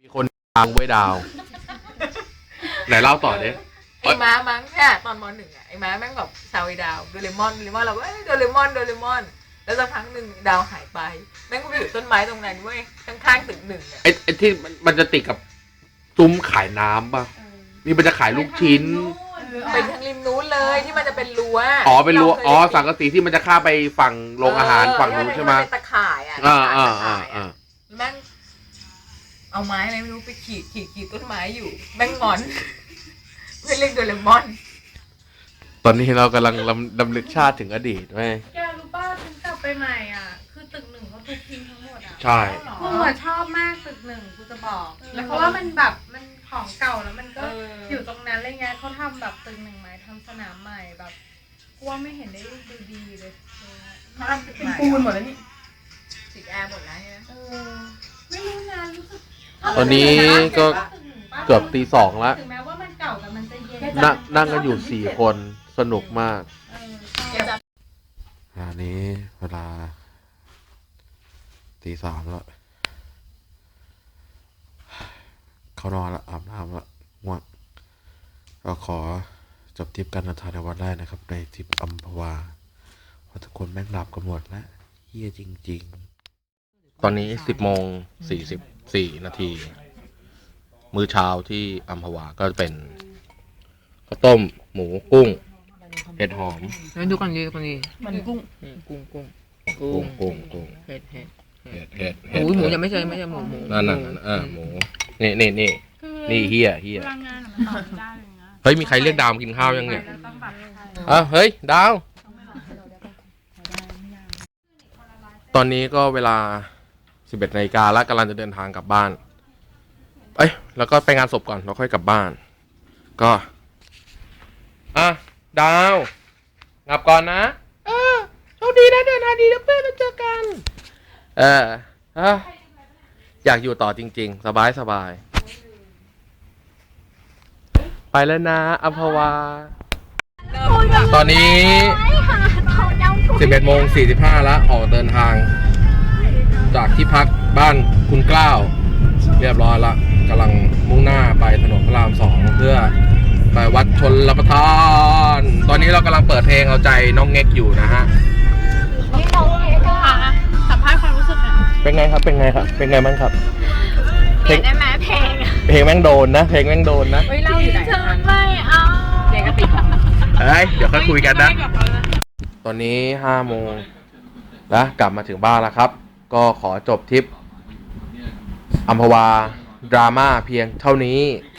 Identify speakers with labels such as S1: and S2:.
S1: มีคนตามไว้ดาวไหนเล่าต่อดิ
S2: ไอ้ม้ามั้งเนี่ยตอนม.1อ่ะไอ้ม้าแม่งแบบซาวไอ้ดาวโดเรมอนเราก็โดเรมอนแล้วสักพักหนึ่งดาวหายไปแม่งก็ไปอยู่ต้นไม้ตรงนั้นเว้ยข้างๆตึก1อ่ะ
S1: ไอ้ที่มันจะติดกับซุ้มขายน้ำป่ะนี่มันจะขายลูกชิ้น
S2: เป็นทางริมนู้นเลยที่มันจะเป็นรั้ว
S1: เป็นรั้วสังกะสีที่มันจะข้ามไปฝั่งโรงอาหารฝั่งนู้นใช่ไหม
S2: เป็นตะข่ายอ่ะแม่งเอาไม้อะไรไม่รู้ไปขีดต้นไม้อยู่แม่งงอนเพื่อเรียกโดเรมอน
S1: ตอนนี้เรากำลังดำลึกชาติถึงอดีตไหม
S3: แกรู้ป่ะฉันกลับไปใหม่อ่ะคือตึก1เขาทุบทิ้งทั้งหมดอ่ะ
S1: ใช่
S3: กูชอบมากตึก1กูจะบอกแล้วเพราะว่ามันแบบมันของเก่าแล้วมันก็อยู่ตรงนั้นอะไรเงี้ยเขาทำแบบตึก1ใหม่ทำสนามใหม่แบบกูว่าไม่เห็นได้ดูดีเลย
S2: เขาทำเป็นปูนหมดแล้วนี่ติดแอร์หมดแล้วเนี่ย
S3: ไม่รู้นะรู้สึก
S1: ตอนนี้ก็เกือบตี 2แล้ว
S3: ถึงแม้ว่ามันเก่าแต่มันจะเย็น
S1: นั่งกันอยู่4 คนสนุกมากอันนี้เวลาตี 3แล้วเขานอนละอาบน้ำละง่วงก็ขอจบทริปการเดินทางในวันแรกนะครับในทริปอัมพวาเพราะทุกคนแม่งหลับกันหมดแล้วเฮี้ยจริงๆตอนนี้10:44 นาทีมื้อเช้าที่อัมพวาก็เป็นข้าวต้มหมูกุ้งเห็ดหอม
S2: ดูกันดีมันกุ้งเห็ดหมูยังไม่ใช่หมู
S1: นั่นหมูนี่เฮีย
S3: พลังงานมันต่อได้เลยนะ
S1: เฮ้ยมีใครเรียกดาวมากินข้าวยังเนี่ยเฮ้ยดาวตอนนี้ก็เวลา 11 นาฬิกาแล้วกำลังจะเดินทางกลับบ้านแล้วก็ไปงานศพก่อนแล้วค่อยกลับบ้านก็ดาวกลับก่อนนะโชคดีนะเดินทางดีนะเพื่อนเราเจอกันอยากอยู่ต่อจริงๆสบายไปแล้วนะอัมพวาตอนนี้ 11:45 แล้วออกเดินทางจากที่พักบ้านคุณกล้าวเรียบร้อยละกำลังมุ่งหน้าไปถนนพระราม 2เพื่อไปวัดชลประทานตอนนี้เรากำลังเปิดเพลงเอาใจน้องเง็กอยู่นะฮะ
S3: สัมภาษณ์ความรู้สึกหน่อย
S1: เป็นไงครับเป็นไงบ้างครับ
S3: เพลงได้ไหม
S1: เพลงแม่งโดนนะเพลงแม่งโดนนะ
S3: เล่าอยู่ไหนไม่เอา
S2: เพลงกติก
S1: เดี๋ยวค่อยคุยกันนะตอนนี้5 โมงแล้วกลับมาถึงบ้านแล้วครับก็ขอจบทริปอัมพวาดราม่าเพียงเท่านี้